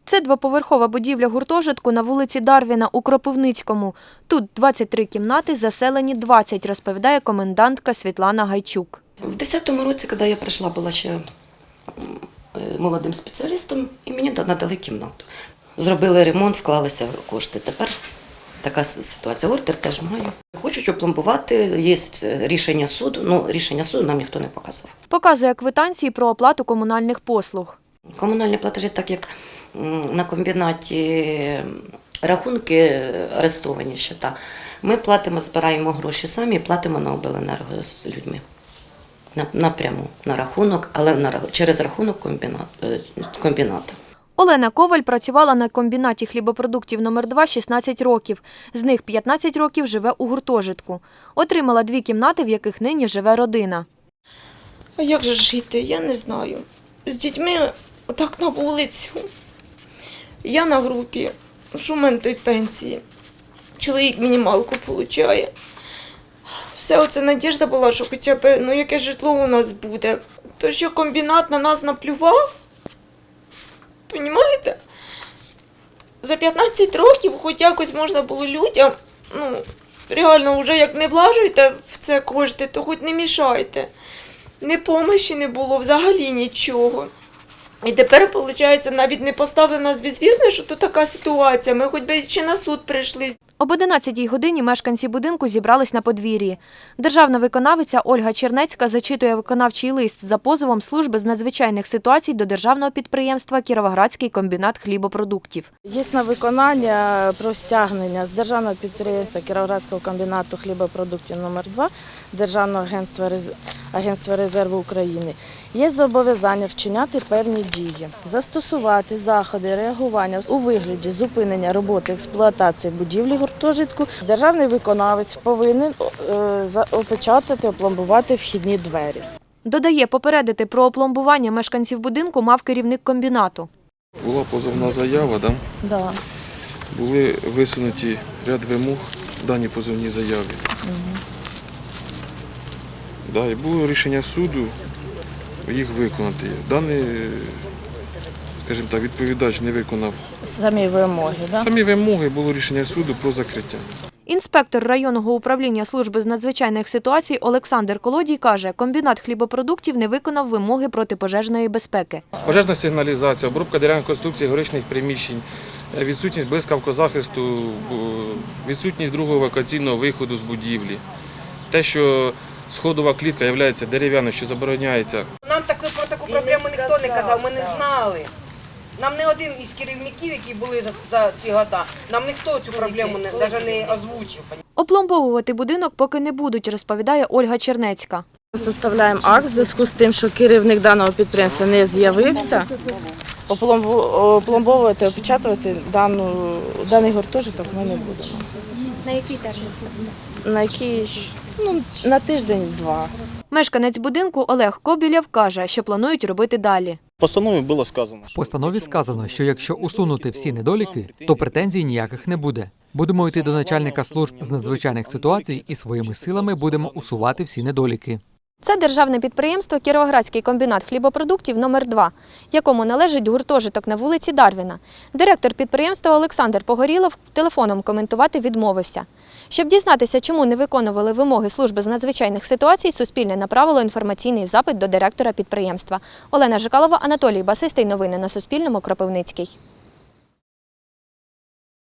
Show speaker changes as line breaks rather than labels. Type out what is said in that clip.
Це двоповерхова будівля гуртожитку на вулиці Дарвіна у Кропивницькому. Тут 23 кімнати, заселені 20, розповідає комендантка Світлана Гайчук.
В 2010 році, коли я прийшла, була ще молодим спеціалістом, і мені надали кімнату. Зробили ремонт, вклалися кошти. Тепер така ситуація. Ордер теж маю. Хочуть опломбувати, є рішення суду. Рішення суду нам ніхто не показав.
Показує квитанції про оплату комунальних послуг.
Комунальні платежі, так як на комбінаті рахунки арестовані щита, ми платимо, збираємо гроші самі і платимо на обленерго з людьми. Напряму, на рахунок, але через рахунок комбіната.
Олена Коваль працювала на комбінаті хлібопродуктів номер 2 16 років. З них 15 років живе у гуртожитку. Отримала 2 кімнати, в яких нині живе родина.
А як же жити? Я не знаю. З дітьми отак на вулицю. Я на групі. Що в мене той пенсії? Чоловік мінімалку отримує. Все оце надіжда була, що хоча б яке житло у нас буде. То, що комбінат на нас наплював, розумієте? За 15 років хоч якось можна було людям, реально вже як не влажуєте в це кошти, то хоч не мішайте. Ні помощі не було, взагалі нічого. І тепер, виходить, навіть не поставили нас в звісно, що тут така ситуація. Ми хоч би ще на суд прийшли.
Об 11-й годині мешканці будинку зібрались на подвір'ї. Державна виконавиця Ольга Чернецька зачитує виконавчий лист за позовом служби з надзвичайних ситуацій до державного підприємства «Кіровоградський комбінат хлібопродуктів».
Є на виконання про стягнення з державного підприємства Кіровоградського комбінату хлібопродуктів номер 2 Державного агентства резерву України. Є зобов'язання вчиняти певні дії, застосувати заходи реагування у вигляді зупинення роботи експлуатації будівлі гуртожитку. Державний виконавець повинен опечатати, опломбувати вхідні двері.
Додає, попередити про опломбування мешканців будинку мав керівник комбінату.
Була позовна заява, так?
Да.
Були висунуті ряд вимог в даній позовній заяві. Да, і було рішення суду їх виконати. Даний, скажімо так, відповідач не виконав
Самі вимоги, да?
Самі вимоги, було рішення суду про закриття.
Інспектор районного управління служби з надзвичайних ситуацій Олександр Колодій каже, комбінат хлібопродуктів не виконав вимоги протипожежної безпеки.
Пожежна сигналізація, обробка дерев'яних конструкцій горичних приміщень, відсутність блискавкозахисту, відсутність другого евакуаційного виходу з будівлі. Те, що сходова клітка є дерев'яною, що забороняється.
Нам про таку проблему ніхто не казав, ми не знали. Нам не один із керівників, які були за ці роки, нам ніхто цю проблему навіть не озвучив.
Опломбовувати будинок поки не будуть, розповідає Ольга Чернецька.
Составляємо акт в зв'язку з тим, що керівник даного підприємства не з'явився. Опломбовувати, опечатувати даний гуртожиток ми не будемо.
На який термін це буде?
На який? На тиждень-два.
Мешканець будинку Олег Кобілєв каже, що планують робити далі.
В постанові було сказано.
В постанові сказано, що якщо усунути всі недоліки, то претензій ніяких не буде. Будемо йти до начальника служб з надзвичайних ситуацій і своїми силами будемо усувати всі недоліки. Це державне підприємство «Кіровоградський комбінат хлібопродуктів номер 2 якому належить гуртожиток на вулиці Дарвіна. Директор підприємства Олександр Погорілов телефоном коментувати відмовився. Щоб дізнатися, чому не виконували вимоги служби з надзвичайних ситуацій, Суспільне направило інформаційний запит до директора підприємства. Олена Жикалова, Анатолій Басистий. Новини на Суспільному. Кропивницький.